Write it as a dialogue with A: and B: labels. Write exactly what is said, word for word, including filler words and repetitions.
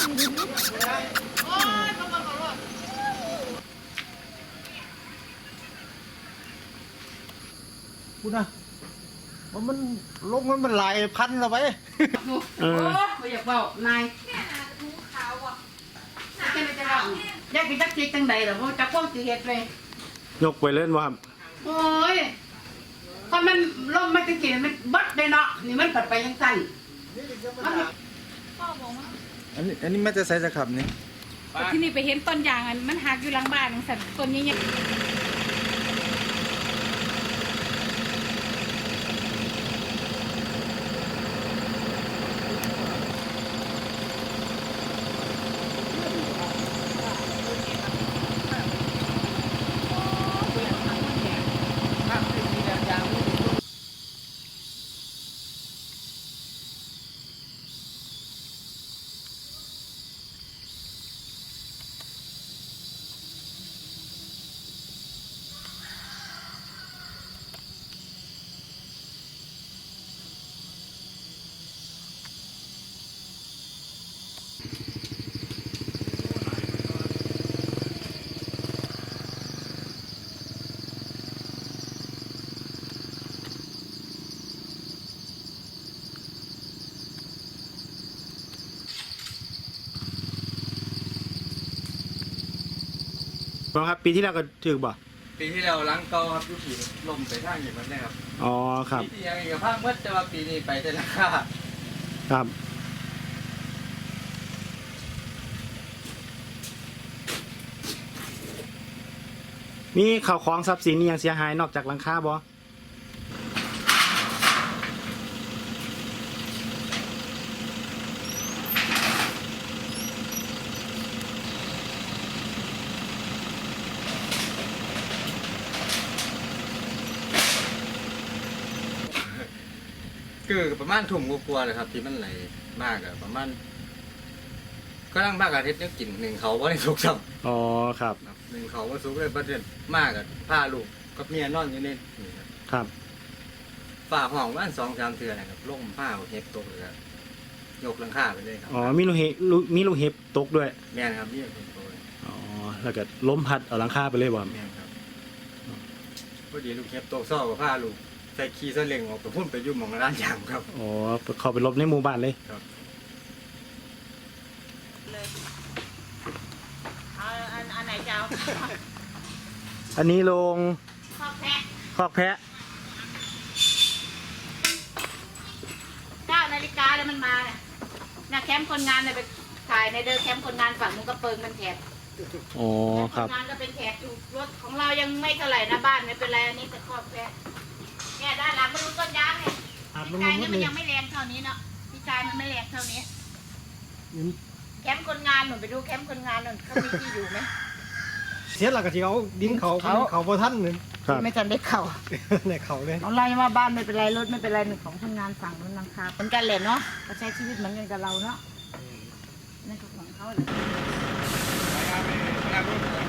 A: พูดนะว่ามันลงมันมันหลายพันแล้วไป
B: โอ้ไม่อยากเบานายแค่ไหนจะเล่าอยากกินจักจีจังใดหรอเพราะจักพวกจีเห็ดเลย
C: ยกไปเล่นว่าครับ
B: โอ้ยถ้ามันล่มไม่ตะกี้มันบัดเลยเนาะนี่มันปัดไปยังสั้น
A: อันนี้อันนี้มันจะใส่จะขับนี่
D: ที่นี่ไปเห็นต้นยางอันมันหักอยู่หลังบ้านของสันต้นนี้เนี่ย
C: ครับปีที่แล้วก็ถือบ่
E: ปีที่แล้วล้างเก่าครับยุคีลมไปทางอย่างนั้นนะครับ
C: อ๋อครับ
E: ปีที่ยังอีกภาคเมื่อแต่ว่าปีนี้ไปแต่ละค่า
C: ครับมีข่าวของทรัพย์สินยังเสียหายนอกจากหลังคาบ่
E: คือประมาณถุ่มกลัวๆเลยครับที่มันไหลมากอะประมาณก็ตั้งมากอาทิตย์นึกกินหนึ่งเขาว่าในสุกซ้
C: ำอ๋อครับ
E: หนึ่งเขาว่าสุกเลยประเด็นมากอะผ้าลูกกับเมียนอนอยู่นี่
C: ครับ
E: ฝ่าห้องว่านสองสามเทือนนะครับล่มผ้าเห็บตกเลยยกหลังคาไปเลยครับ
C: อ๋อมีลูกเห็บมีลูกเห็บตกด้วย
E: แม่ครับนี่เป็นตัว
C: อ๋อแล้วก็ล้มพัดเอาหลังคาไปเลยบ่
E: แม่ครับพอดีลูกเห็บตกซ่อกับผ้าลูกใส่ขี้ซาเล้งออกไปพุ่นไปยุ่งมองร้านยางครับ
C: อ๋อเขาไปลบในหมู่บ้านเลย
E: ครับ
B: อันอันไหนเจ้า
C: อันนี้ลง
B: คอกแพะ
C: คอกแพะ
B: เก้านาฬิกาแล้วมันมาเนี่ยนะแคมป์คนงานเนี่ยไปถ่ายในเดินแคมป์คนงานฝั่งมุกกระเปิงกันแถบ
C: อ๋อครับ
B: คนงานก็เป็นแถบอยู่รถของเรายังไม่เท่าไหร่นะบ้านไม่เป็นไรอันนี้แต่คอกแพะเนี่ยด้านหลังมันรู้ต้นยางเนี่ยพี่ชายเนี่ยมันยังไม่แรงเท่านี้เนาะพี่ชายมันไม่แรงเท่านี้แคมป์คนงานหนูไปดูแคมป์คนงานหนูเขามีที่อยู่ไหม
A: เสียหลักกะที่เขาดินเขาเขาเขาพอท่านหนึ่ง
B: ไม่ทันได้เข่า
A: ในเขาเลย
B: เอาไล่มาบ้านไม่เป็นไรรถไม่เป็นไรหนึ่งของคนงานฝั่งนู้นนังคาเหมือนกันเลยเนาะเขาใช้ชีวิตเหมือนกันกับเราเนาะนั่นก็ของเขาเลย